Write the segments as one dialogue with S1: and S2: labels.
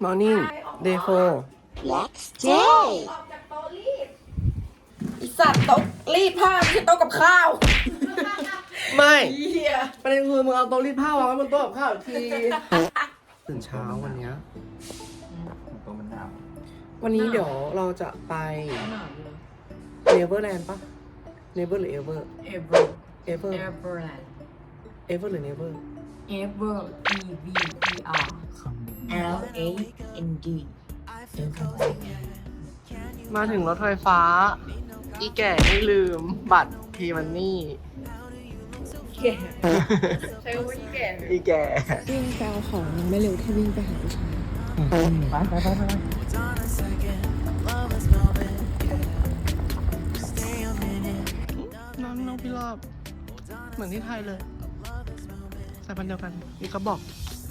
S1: Morning Day 4
S2: Next day
S3: อีสัตว์โต๊ะรีดผ้าไม่ใช่โต๊ะกับข้าว
S1: ไม่ประเด็นคือมึงเอาโต๊ะรีดผ้าวางไว้บนโต๊ะกับข้าวอีกทีตื่นเช้าวันเนี้ยวันนี้เดี๋ยวเราจะไปเนเวอร์แลนด์ปะเนเวอร์หรือเอเวอร์เอเวอร์เอเวอร์เอเวอร์หรือเนเวอร์
S3: Ever E V E R L A N D
S1: มาถึงรถไฟฟ้าอีแก่ไม่ลืมบัตรพีมันนี่
S3: แก่ใช้คำว่าแก่
S1: อีแก่
S2: วิ่งไปเอาของมันไม่เร็วแค่วิ่งไปหาผู้ชาย
S1: น้องพี่รอบเหมือนที่ไทยเลยสายพันธุ์เดียวกันนี่ก็บอก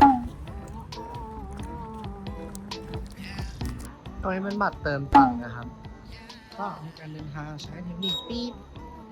S1: ตรงนี้เป็นบัตรเติมตังค์นะครับก็มีการเดินทางใช้เทคนิคปี๊บ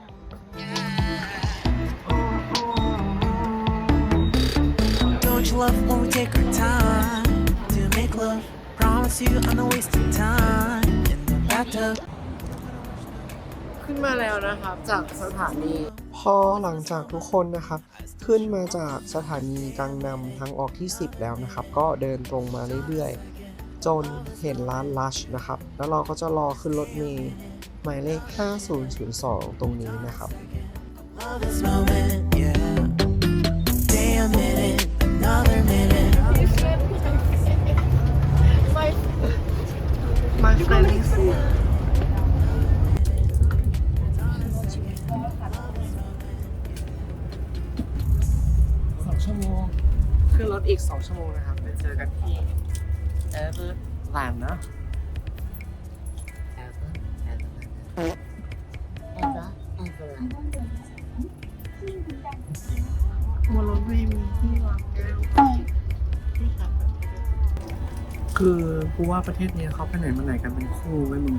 S4: Don't you love when we take our time to make love? Promise you I'm not wasting time in the bathtub.
S1: ขึ้นมาแล้วนะครับจากสถานีพอหลังจากทุกคนนะครับขึ้นมาจากสถานีกังนำทางออกที่10แล้วนะครับก็เดินตรงมาเรื่อยๆจนเห็นร้านลัชนะครับแล้วเราก็จะรอขึ้นรถเมล์หมายเลข5002ตรงนี้นะครับ
S4: Love this moment, yeah. Stay a minute, another minute.
S1: My friend is here 2 ชั่วโมงขึ้นรถอีก2 ชั่วโมงนะครับไปเจอกันที่เอเวอร์แลนด์นะบนรถเมล์มีที่วางแก้วคือกูว่าประเทศนี้เขาไปไหนมาไหนกันเป็นคู่ไว้มึง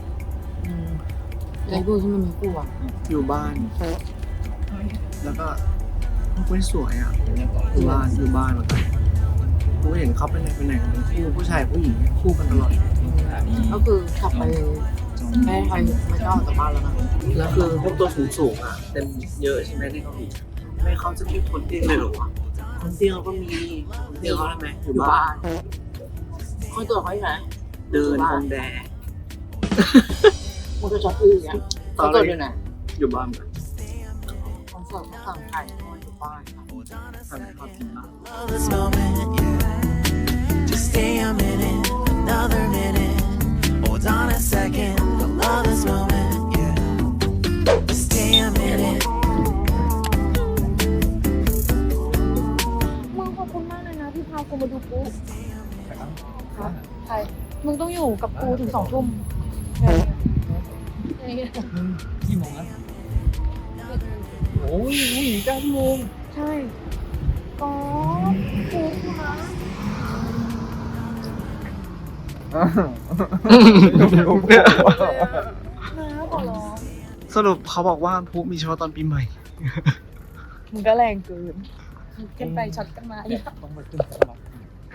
S2: ไอ้กูที่มันมีกูอ่ะ
S1: อยู่บ้าน แล้วก็กูสวยอ่ะอยู่บ้านเหมือนกันกูเห็นเขาไปไหนกันเป็นคู่ผู้ชายผู้หญิงคู่กันตลอด
S2: ก็คือกลับไปแม่ใครไม่ชอบจากบ้านแล้วนะ
S1: แล้วคือพวกตัวสูงอ่ะเต็มเยอะใช่ไหมที่เกาหลีไม่เขาจะมีคนเตี้ยเลยเหรอวะคนเตี้ยเขาก็มีคนเตี้ยเขาทำไมอยู่บ้าน
S2: คนตัวเขาอยู่ไหน
S1: เดินตรงแดด
S2: มันก็ช็อตอื้ออย่างเงี้ยเขาตัวอยู่ไหน
S1: อยู่บ้านเหมือน
S2: คนเสิร์ฟเขาสั่งไก่เขาอยู่บ้าน
S1: ทำให้เขากินบ้าง
S4: Love this moment, yeah. Just stay a minute, another minute. Hold on a second. I love this moment, yeah. Just stay a minute.
S5: มึงขอบคุณมากเลยนะที่พากูมาดูปุ๊ใครมึงต้องอยู่กับกูถึง2 ทุ่ม
S6: กี่โมงแล้วโอ้ย9 ชั่วโมง
S5: ใช่ก็กูนะนะขอร้อง
S1: สรุปเขาบอกว่าพลุมีเฉพาะตอนปีใหม่
S5: มึงก็แรงเกินกันไปช็อตกันมาเนี่ย
S6: ต้องมาขึ้นสมัคร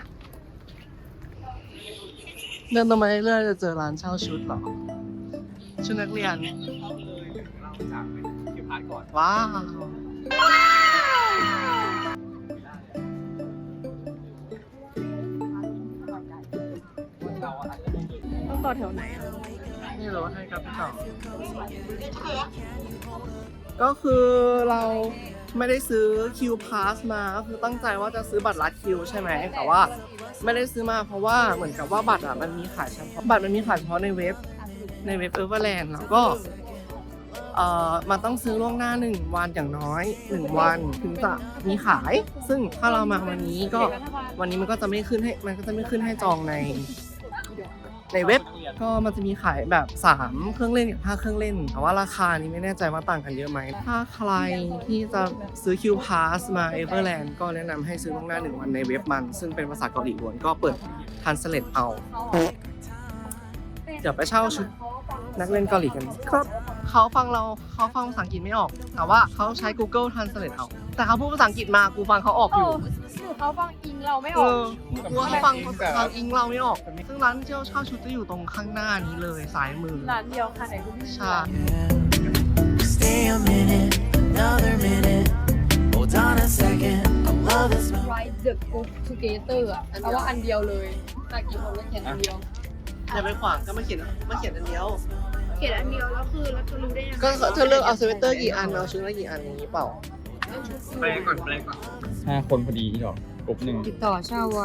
S1: เดินตรงมาเรื่อยๆจะเจอร้านเช่าชุดเหรอชุดนักเรียน
S6: เราจากคิวพาร์ทก่อน
S1: ว้าว
S6: เราอาจจะต้องเดิน
S5: ต้องต่อแถวไหนอ่ะ
S1: นี่รถให้ครับพี่ต่อก็คือเราไม่ได้ซื้อคิวพาสมาก็คือตั้งใจว่าจะซื้อบัตรลัดคิวใช่ไหมแต่ว่าไม่ได้ซื้อมาเพราะว่าเหมือนกับว่าบัตรอ่ะมันมีขายเฉพาะในเว็บเอเวอร์แลนด์แล้วก็มันต้องซื้อล่วงหน้า1 วันอย่างน้อย1 วันถึงจะมีขายซึ่งถ้าเรามาวันนี้ก็วันนี้มันก็จะไม่ขึ้นให้จองในเว็บก็มันจะมีขายแบบ3 เครื่องเล่นกับ5 เครื่องเล่นแต่ว่าราคานี้ไม่แน่ใจว่าต่างกันเยอะไหมถ้าใครที่จะซื้อคิวพาสมาเอเวอร์แลนด์ก็แนะนำให้ซื้อล่วงหน้า1 วันในเว็บมันซึ่งเป็นภาษาเกาหลีล้วนก็เปิดทันสเลตเอาเดี๋ยวไปเช่าชุดนักเล่นเกาหลีกันครับเขาฟังภาษาอังกฤษไม่ออก แต่ว่าเขาใช้ Google Translate เอา แต่เขาพูดภาษาอังกฤษมากูฟังเขาออกอยู่
S5: หรือเขาฟังอิงเราไม่อ
S1: เอ
S5: อก
S1: อกูว่าเขาฟังอิงเราไม่ออก ซึ่งร้านที่เราเช่าชุดจะอยู่ตรงข้างหน้านี้เลยซ้ายมือ
S5: ร้านเดียวค่ะไหนคุณพี่
S1: ใช่
S4: Stay a minute, another minute. Hold on a second. I love this moment.
S5: ไรเดอะกรุ๊ปทูเกเตอร์อะแปลว่าอันเดียวเลยแต่กี่คนก็เขียนอันเดียว
S1: อย่าไปขวางก็มาเขียนอันเดียว
S5: เขียนอันเดียวแล้วคือเราจะรู้ได้ยังไง
S1: ก็เธอเลือกเอาสเวตเตอร์กี่อันเอาชุดละกี่อันอย่างนี้เปล่า
S6: แปลก่อน5 คนพอดีที่หรอกลุ่มหนึ่ง
S2: ติดต่อเช่าวัน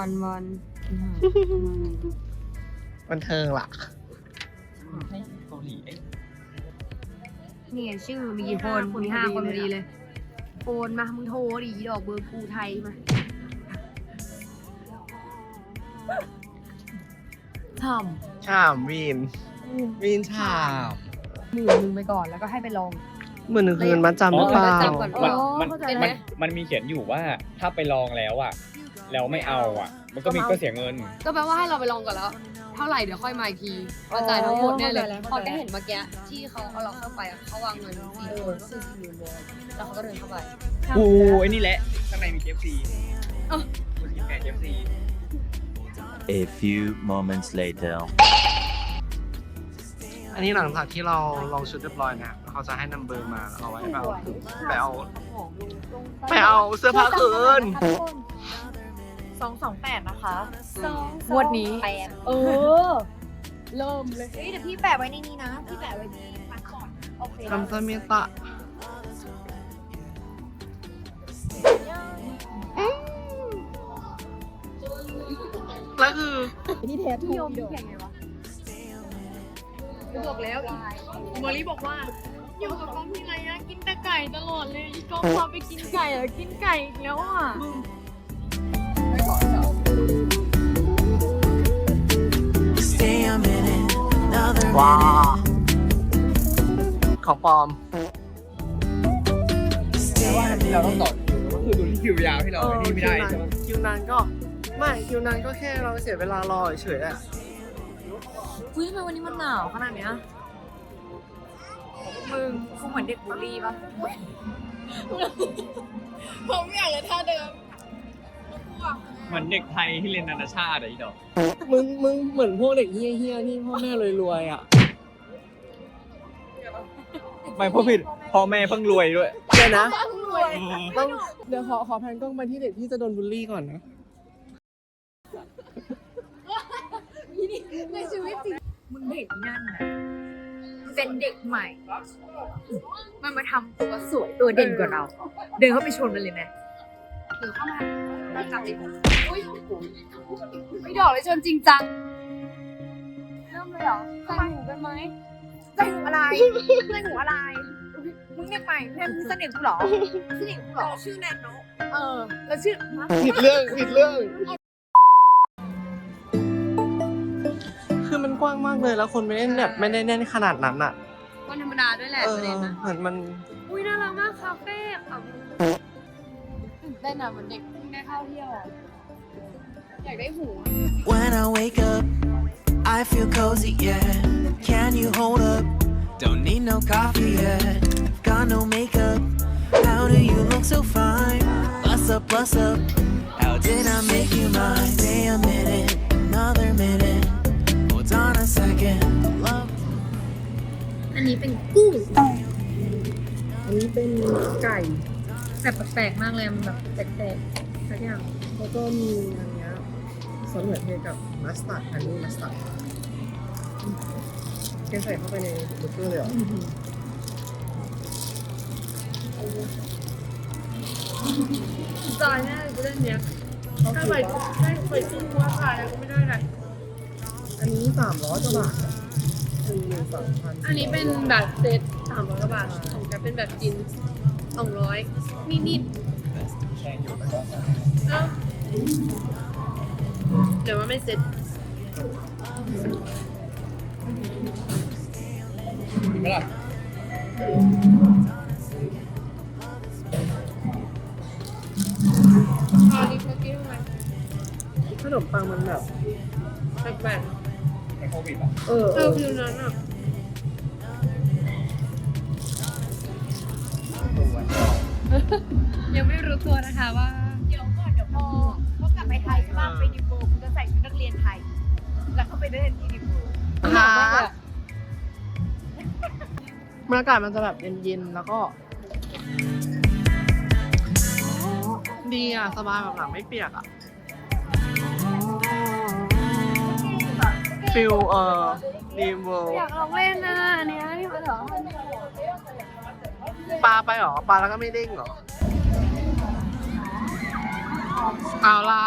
S1: บันเทิงล่ะ
S6: ให้เกาหลีเอ้ย
S2: นี่ไงชื่อมีกี่คนมี5 คนพอดีเลยโอนมามึงโทรดิดอกเบอร์กูไทยมาท
S1: ชามวีนชาม
S2: ำ10,000ไปก่อนแล้วก็ให้ไปลอง
S1: 1,000 คืนมัดจำหรือเปล่า
S2: จำก่อน
S6: มันมีเขียนอยู่ว่าถ้าไปลองแล้วอ่ะแล้วไม่เอาอ่ะ มันก็เสียเงิน
S2: ก็แปลว่าให้เราไปลองก่อนแล้ว เท่าไหร่เดี๋ยวค่อยมาอีกทีมาจ่ายทั้งหมดเนี่ยเลยพอแกเห็นเมื่อกี้ที่เขาเอาเราเข้าไปอะเขาวางเงิน4 คนก็คือ40,000 วอนแล้วเขาก็เดินเข้าไป
S6: โอ้ไอ้นี่แหละ ข้างในมี KFC คุณกินแกง KFC
S7: A few moments later.
S1: อันนี้หลังจากที่เราลองชุดเรียบร้อยนะเขาจะให้นัมเบอร์มาแล้วเอาไว้ไปเอาเสื้อผ้าคืน
S5: 228นะคะ
S2: งวดนี้
S5: เออ เริ่มเลย
S2: เฮ้ยเดี๋ยวพี่แปะไว้ในนี้นะ พี่แปะไว้ที่พาสปอร์ตโอเค
S1: คำซาเมตะแล้วคือ
S5: นี่แท้
S2: พี่
S5: ทู
S2: โยมพี่แข่งไงวะ
S5: บอกแล้วมอลี่บอกว่า อยู่กับกองที่ไรอะกินแต่ไก่ตลอดเลยอีกองพาไปกินไก่อะกินไก่อีกแล้วอะ
S4: Stay a minute, another
S1: ว้า
S4: minute.
S1: ของปลอม
S4: Stay a
S6: ที่เราต้อง
S4: minute.
S6: ต่อก็คือดูที่คิวยาวที่เรานี่ไม่ได้ใช่ไหม
S1: คิวนานก็ไม่คิวนานก็แค่เราเสียเวลารอเฉยๆอะ
S2: อุ้ยทำไมวันนี้มันหนาวขนาดเนี้ยมึงกูเหมือนเด็กบุรีปะ
S5: ผมอยากเลยท่าเดิม
S6: เหมือนเด็กไทยที่เรียนนานาชาติอะอีดอก
S1: มึงเหมือนพวกเด็กเฮี้ยๆที่พ่อแม่รวยๆอ่ะ
S6: ไม่เพราะผิดพ่อแม่เพิ่งรวยด้วย
S1: เดี๋ยวนะต้องเดี๋ยวขอแพนกล้องไปที่เด็กที่จะโดนบูลลี่ก่อนนะ
S2: ในชีวิตจริงมึงเห็นนั่นนะเป็นเด็กใหม่ มันมาทำตัวสวยตัวเด่นกว่าเรา เดินเข้าไปชนมันเลยไหมเดินเข้ามาจับดิอุ้ยไม่ดอกเลยชนจริงจังเริ่มเลยเหรอใส่หูกันไหมใส่หูอะไรใส่หูอะไรมึงเรียกใหม่แม่มึงเสน่ห์กูเหรอเสน่ห์กูเหรอชื่อแนนโนแล้วชื่อ
S1: ผิดเรื่องคือมันกว้างมากเลยแล้วคนไม่ได้แบบไม่ได้แน่นขนาดนั้นอ่ะ
S2: วันธรรมดาด้วยแหละประเด็นนะ
S1: เหมือนมัน
S2: อุ้ยน่ารักมากคาเฟ่ค่ะตื่นเต้นอะเหมือนเด็กเพิ่งได้เข้าเที่ยวอะอยากได้หู
S4: When I wake up, I feel cozy, yeah. Can you hold up? Don't need no coffee yet. Got no makeup. How do you look so fine? Bust up. How did I make you mine? Stay a minute, another minute. Hold on a second. Love.
S2: อันนี้เป็นกุ้ง อันนี้เป็นไก่แบบแปลกๆมากเลยมันแบบแปลกๆสักอย่าง
S1: แล้วก็มีอันเนี้ยซอสมะเขือเทศกับมัสตาร์ดฮันนี่มัสตาร์ดแกใส่เข้าไปในเบอร์เกอร์เลยเหรอ
S5: จอยแน่เลยกูเล่นเนี้ยถ้าไปขึ้นว่าขายแล้วก็ไม่ได้เลย
S1: อันนี้300 กว่าบาท13,000
S5: อันนี้เป็นแบบเซต300 กว่าบาทของจะเป็นแบบกิน200นิดๆเอ้าเดี๋ยวว่าไม่เซ็ต
S6: เห็นไหมล่ะ
S5: อันนี้เมื่อกี้ทำไม
S1: ขนมปังมันแบบ
S5: แปลก
S6: ในโควิดอ่ะ
S1: เออ
S5: ๆฟิวนั้นอ่ะยังไม่รู้ตัวนะคะว่า
S2: เดี๋ยวก่อนเดี๋ยวพอเขากลับไปไทยใช่ป่ะไปดิโบคุณจะใส่ชุดนักเรียนไทย แล้วเขาไปเล่นที่ดิโบ
S1: ฮะบรรยากาศมันจะแบบเย็นๆ แล้วก็ ดีอ่ะ สบายแบบหลังไม่เปียกอ่ะ ฟิลดีเวิลด์
S5: อยากลองเล่นนะอันเนี้ยนี่มันเหรอ
S1: ปลาไปเหรอ ปลาแล้วก็ไม่เด้งเหรอ เอาล่ะ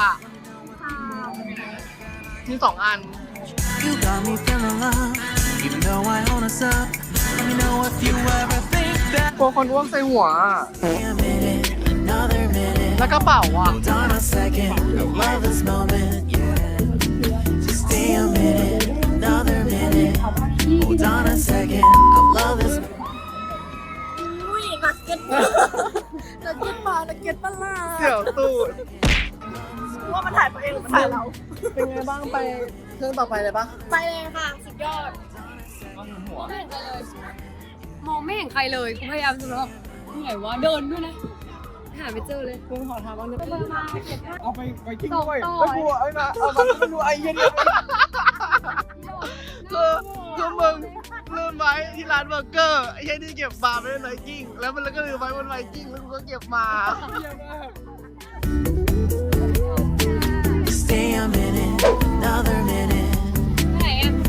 S1: มี2 อัน
S4: You got me feeling love, even though I own us up. Let me know if you ever think that.
S1: กลัวคนอ้วกใส่หัวอะ
S4: Stay a minute, another minute.
S1: แล้วกระเป๋าอ่ะ
S4: Hold on a second, I love this moment, yeah. Just stay a minute, another minute. Hold on a second, I love this.
S1: เสี่ยวตูดว่ามันถ่ายตัวเองหรือมันถ่ายเรา เป็นไงบ้างไปเครื่องต่อไปเลยปะ
S5: ไปเลยค่ะ สุดยอดมองไม่เห็นใครเลยกูพยายามจะแบบไหนวะเดินด้วยนะหาไม่เจอเลย
S1: คุณขอถามว่านึก
S6: เอาไปกิ้ง
S5: ต่อ
S6: ด้วย
S5: ต่อ
S6: ไม่กลัวไอ้นะเอามันไม่รู้ไอ้เหี้ยเนี่ย
S1: คือมึงลืมไว้ที่ร้านเบอร์เกอร์ไอ้เหี้ยนี่เก็บมาไม่ได้ไวกิ้งแล้วมันก็ลืมไว้บนไวกิ้งแล้วกูก็เก็บมา
S4: Stay a minute, another minute.
S5: ไหนอ่ะ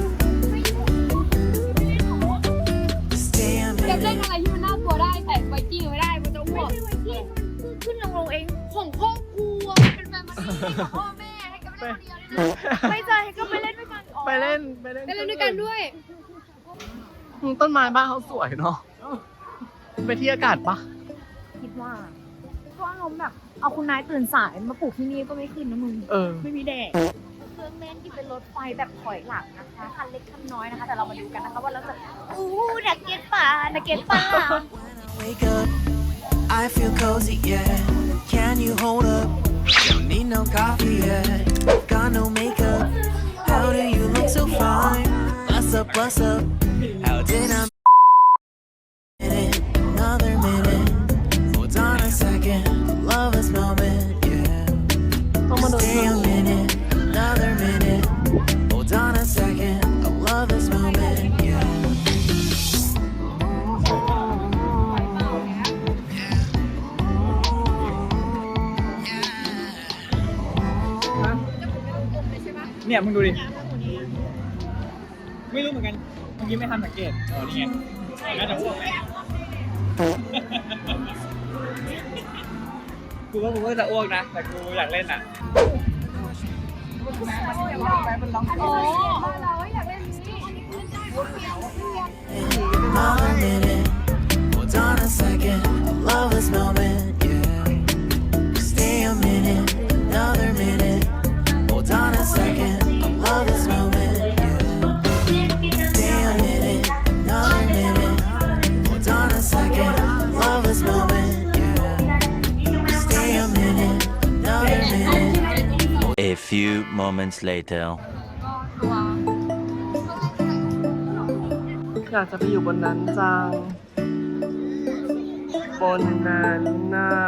S4: Stay a
S5: จะเล่น
S4: minute.
S5: อะไรที่มันน่ากลัวได้แต่ไวกิ้งไม่ได้มันจะอ้วกขึ้นลงเองของครอบครัวเป็นแฟมิลี่ของพ่อแม่ให้กันไม่ได้คนเดียวเลยไม่ใช่ให้ก็ไปเล่นด้วยกัน
S1: ไปเล่น
S5: ไปเล่นด้วยกันด้วย
S1: ต้นไม้บ้านเขาสวยเนาะไปที่อากาศปะ
S2: คิดว่าเพราะอารมณ์แบบเอาคุณนายตื่นสายมาปลูกที่นี่ก็ไม่ขึ้นนะมึง ไม่มีแดดเครื่องเล่นที่เป็นรถไฟแบบถอยหลังนะคะคันเล็กคันน้อยนะคะ แต่เรามาดูกันนะคะว่าเราจะนักเก็ตป่านักเก็ตป่า
S4: Wake up, I feel cozy, yeah. Can you hold up? Don't need no coffee yet. Got no makeup. How do you look so fine? Bust up, bust up. How did I? Minute, another minute. Hold on a second. Love this moment, yeah.
S1: ต้องมาดู
S4: Stay a minute, another minute. Hold on a second. I love this moment, yeah. .
S6: เนี่ยมึงดูดิ ไม่รู้เหมือนกันเมื่อกี้ไม่ทันสังเกตอ๋อนี่ไงน่าจะอ้วกแหละกูว่ากูก็จะอ้วกนะ แต่กูอยากเล่นอ่ะ
S5: อ๋อเราอยากเล่นนี้
S4: Another minute. Hold on a second. I love this moment, yeah. Stay a minute, another minute. Hold on a second. I love this moment, yeah. Stay a minute, another minute. Hold on a second. I love this moment, yeah. Stay a minute, another minute.
S7: A few moments later.
S1: อยากจะไปอยู่บนนั้นจัง บนนั้นน่ะ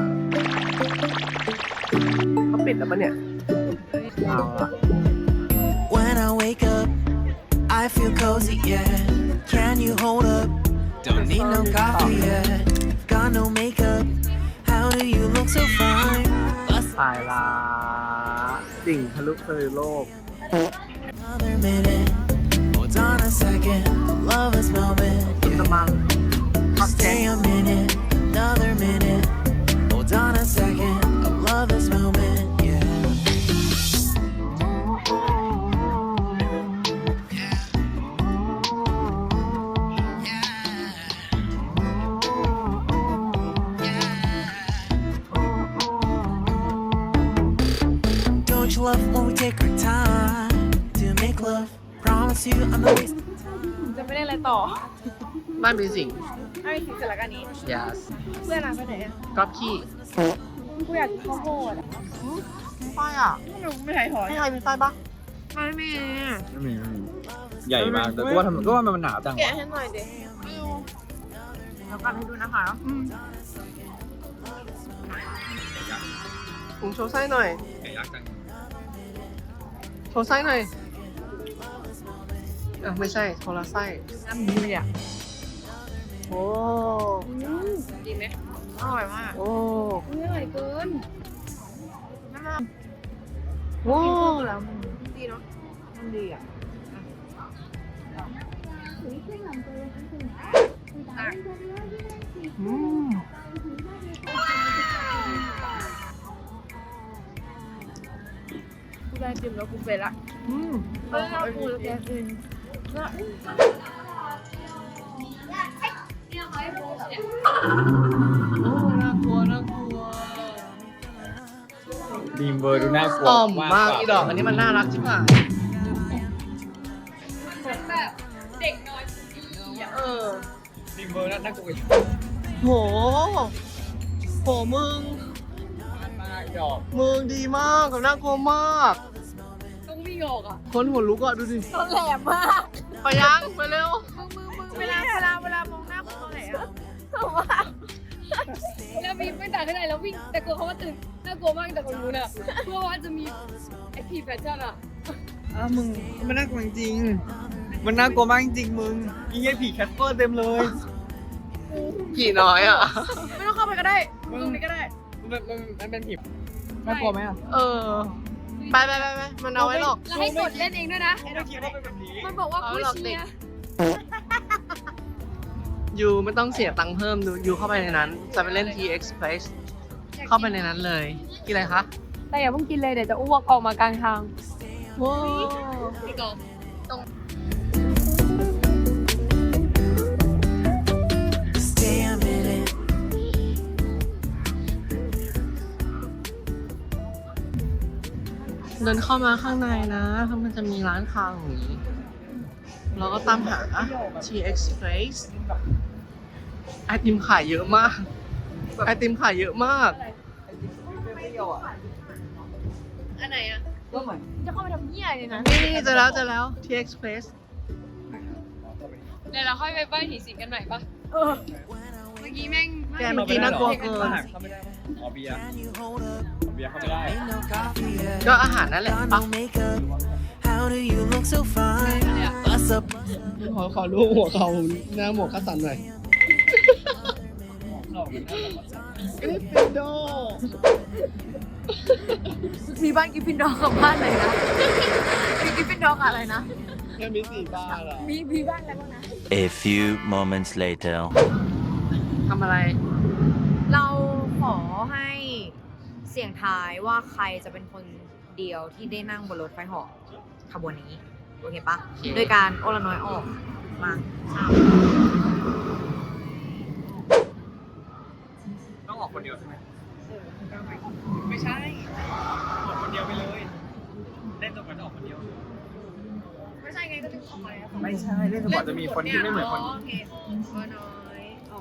S1: เขาปิดแล้วปะเนี่ย เอาละ
S4: When I wake up, I feel cozy, yeah. Can you hold up? Don't need no coffee yet. Got no makeup. How do you look so fine? Bust
S1: ตายละสิ่งทะลุทะลุโลก
S4: another minute. Hold on a second. Love this moment.
S1: จะมา
S4: Stay a minute, another minute. Hold on a second. I love this moment, yeah. Don't you love when we take our time to make love? Promise you I'm not wasting.
S5: จะไม่ได้อะไรต่อ
S1: บ้านมีสิ่ง
S5: ไม่มีสิ่งเสร็จแล้วกันนี้
S1: yes
S5: เพื่อนไปไหน
S1: ก๊อปขี้
S5: กูอยากกินข้าวโพดอ่ะ
S1: ไส้อ่ะ
S5: ไม่ใช่ถอย
S1: ให้ใครมีไส้ปะ
S5: ไม่มี
S6: ไม่มีใหญ่มาก แต่ก็ว่ามันหนาวจัง
S5: แกะให้หน่อยดิ
S1: ฮ
S2: แล้วกันให้ดูนะคะ
S1: ผมโชว์ไส้หน่อย
S6: ไก่ยักษ์จัง
S1: โชว์ไส้หน่อยอ่ะไม่ใช่โทรไส้
S2: น้ำดีอ่ะ
S1: โอ้
S5: ดีไหม
S2: อร่อยมาก
S1: โอ้
S5: อร่อยเกิน
S1: โอ้
S2: แล้วมันดีเนาะมันดีอ่ะ
S1: อืม
S2: กูได้จิ้มแล้วกูเป็นละ
S1: อืม
S2: เออกูแล้วแกกิน
S1: โอ้น่ากลัวน่ากลัว
S6: ดีมเบอร์ดูน่ากลัว
S1: ต่อมมากอีดอกอันนี้มันน่ารักชิบหาย
S5: เป็นแบบเด็กน้อยผู้ดีอ่ะ
S1: เออ
S6: ดีมเบอร์น่ากลัวอีก
S1: โห โหมึง
S6: มากดอก
S1: มึงดีมากกับน่ากลัวมาก
S5: ต้องวิ่งออกอ่ะ
S1: คนหัวลุกอ่ะดูดิ
S2: ตอนแหลมมาก
S1: ไปยังไปเร็ว
S2: เวลามองหน้ามึงตอนไหนอ่ะ
S5: แล้ววิ่งไม่ต่างกันไหนแล้ววิ่งแต่กลัวเขาว่าตื่นน่ากลัวมากแต่คนรู้น่ะเพื่อว่าจะมีไอพีแฟชั่นอ่ะ
S6: มึงมันน่ากลัวจริงมันน่ากลัวมากจริงมึงอีเงี้ยผีแคทเปอร์เต็มเลย
S1: กี่น้อยอ่ะ
S2: ไม่ต้องเข้าไปก็ได้ตรงนี้ก็ได้
S6: มันเป็นผีน่ากลัวไหมอ่ะ
S1: เออ ไปมันเอาไว้หรอก
S5: แล้วให้กดเล่นเองด้วยนะ
S6: ไม่คิดว่าเป็นแบบนี้
S5: มันบอกว่า
S1: เอา
S5: ผู้
S1: หลอกเด็
S5: เชี
S1: ก
S5: ยร์
S1: ยูไม่ต้องเสียตังค์เพิ่มดูยูเข้าไปในนั้น จะไปเล่น T Express เข้าไปในนั้นเลย กินอะไรคะ
S5: แต่อย่าเพิ่งกินเลยเดี๋ยวจะอ้วกออกมากลางทาง
S1: ว้าว
S5: พี่กอล์ฟ
S4: Stay a minute.
S1: เดินเข้ามาข้างในนะมันจะมีร้านค้าอย่างนี้ เราก็ตามหา T Express ไอติมขายเยอะมาก ไอติมขายเยอะมาก
S5: อันไหนอ่ะ
S6: ก็เหมือน
S2: จะเข้าไปทำเหี้ยเลยนะ
S1: นี่เจอแล้ว T Express
S5: เดี๋ยวเราค่อยไปป้ายผีสิงกันใหม่ปะเมื่อกี้แม่ง
S1: แกเมื่อกี้น่ากลัวเกิน
S6: เข้าไม่ได้อ๋อเบียร์
S4: Can you hold up?
S6: เบียร์เข้าไม่ได้
S4: Ain't no coffee yet.
S1: ก็อาหารนั่นแหละ
S4: Got
S1: ปะ
S4: no makeup. How do you look so fine? Bust up.
S1: ขอรูปหัวเขาหน้าหมวกคัสสันหน่อยกริฟฟินดอร์
S2: มีบ้านกิฟฟินดอร์กับบ้านไหนนะมีกิฟฟินดอร์กับอะไรนะ
S1: แค่มี4 บ้านเหรอ
S2: มีบ้านอะไรบ้างนะ
S7: A few moments later.
S1: ทำอะไร
S2: เราขอให้เสี่ยงทายว่าใครจะเป็นคนเดียวที่ได้นั่งบนรถไฟเหาะขบวนนี้ โอเคปะโดยการโอละน้อยออกมา
S6: ต้องออกคนเดียวใช่ไหมไม่ใช่ ออกคนเดียวไปเลย เล่นจนกว่าจะออกคนเดียว
S2: ไม่ใช่ไงก็จะออกมาแล้ว
S6: ไม่ใช่ เล่นจนกว่าจะมีคนที่ไม่เหมือนคน
S2: โอเคโอน้อยออก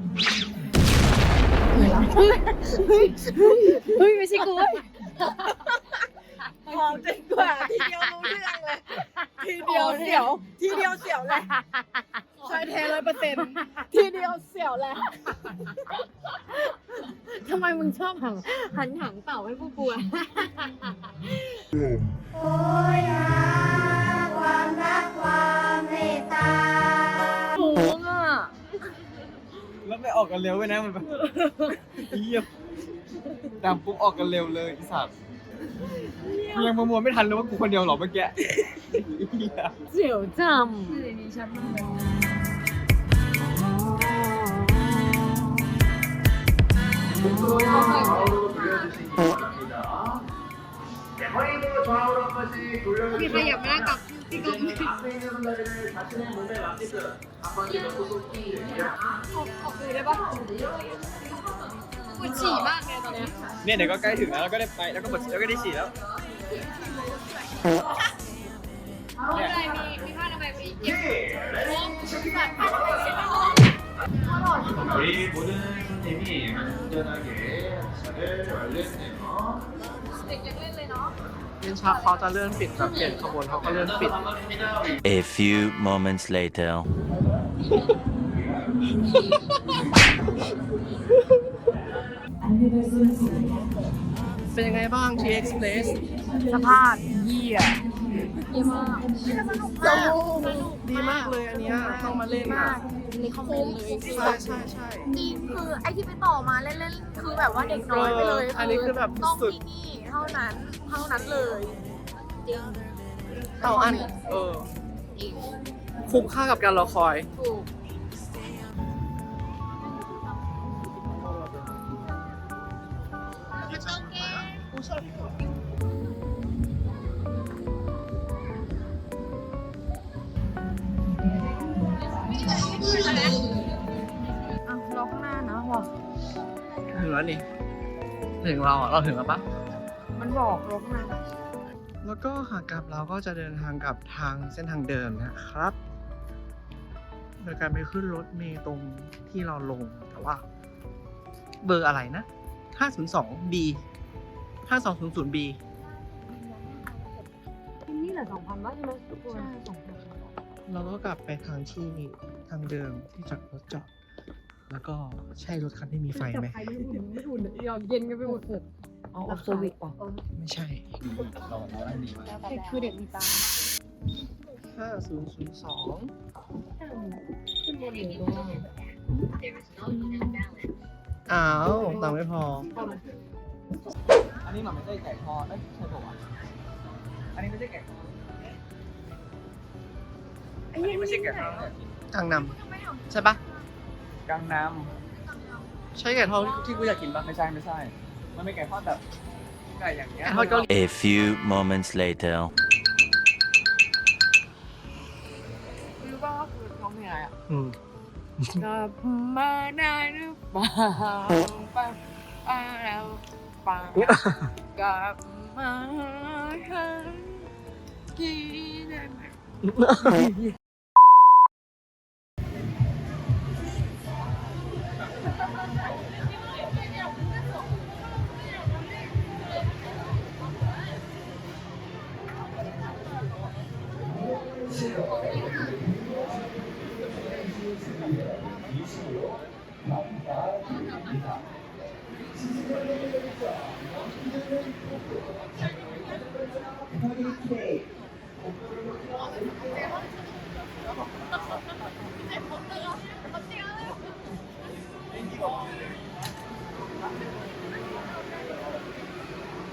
S5: เฮ้ยไม่ใช่กูเว้ย
S2: หอมจนกว่าทีเดียวรู้เรื่องเลย ทีเดียวเสียว ทีเดียวเสียวเลยชายแท้100%ทีเดียวเสียวเลยทำไมมึงชอบหันหางเต่าให้ผู้ป่วยโอ้ยอ่ะ
S6: แล้วไม่ออกกันเร็วไปนะมันแบบเยี่ยมตามปุ๊บออกกันเร็วเลยอีสัตว์กูยังประมวลไม่ทันเลยว่ากูคนเดียวเหรอเมื่อกี้เหี้ย
S2: เสียวจ
S5: พี่ขยับมานั่งกับพี่กอล์ฟออกเลยได้ปะปวดฉี่มากเลยตอนเนี้ย
S6: เนี่ยเดี๋ยวก็ใกล้ถึงแล้วก็ได้ไปแล้วก็หมดแล้วก็ได้ฉีดแล้ว
S5: ไม่เป็นไรมีผ้าทำไมยมีเก็บโอ้สัตว์ผ้าทำไมยเช็ดออก
S8: 우리 모든 선생님이 안전하게 차를 완료했네요.
S5: เด็กยังเล่นเลยเนาะ
S1: เล่นชักเขาจะเลื่อนปิดแบบเปลี่ยนขบวนเขาก็เลื่อนปิด
S7: A few moments later.
S1: เป็นยังไงบ้าง TX Place
S2: สภาพเยี่ยดีมาก
S1: ดีมากเลยอันเนี้ยต้องมาเล่นอ่ะ
S5: นี่คอมเมนต์เลย
S1: ใช่ใช่ใช่
S5: จริงคือไอที่ไปต่อมาเล่นๆคือแบบว่าเด็กน้อยไปเลย
S1: อันนี้คือแบบ
S5: ต้อง
S1: สุด
S5: ที่นี่เท่านั้นเลยจริง
S1: เอาอัน
S5: จริง
S1: คุ้มค่ากับการรอคอย
S5: ถูก
S2: อ่ะรอข้างหน้านะว่ะ
S1: ถึงแล้วนี่ ถึงเราอ่ะ เราถึงแล้วปะ
S2: มันบอกรอข้างหน้า
S1: แล้วก็ขากลับเราก็จะเดินทางกลับทางเส้นทางเดิมนะครับ โดยการไปขึ้นรถเมล์ตรงที่เราลง แต่ว่า เบอร์อะไรนะ 502B 5200B
S2: นี่แหละ2,000ว่าใช่ไหมทุกคนใช่2,000
S1: เราก็กลับไปทางที่ทางเดิมที่จอดรถจอด แล้วก็ใช่รถคันที่มีไฟไหม
S2: ใครไม่อุ่นยอมเย็นกันไปหมดเลยเอาเซอร์วิสป่ะ
S1: ไม่ใช่
S6: เราได้ดีมาก
S2: คือเด็กมีตา
S1: 5002
S2: ขึ้นบนหรือลงล่าง
S1: อ้าวตังค์ไม่พอ
S6: อันนี้มันไม่ใช่ไก่ทอดเอ้ยใช่ป่าวะอันนี้ไม่ใช่ไก่ทอดอันนี้ไม่ใช่ไก่ทอดเนี่ย
S1: กังนำใช่ปะ
S6: กังน้
S1: ใช่ไก่ทอดที่กูอยากกินปะ
S6: ำไม่ใช่ไม่ใช่ มันไม่ไก่ทอดแบบไก่อย่างเงี้ย
S1: ไก่ทอดเกาหลี
S7: A few moments later.
S2: รู้ป่ะว่าคือร้องเพลงอะไรอ่ะ
S1: อืม
S2: กลับมาได้หรือเปล่าป้าแล้วป้ากลับมาทันทีได้ไหม
S5: เ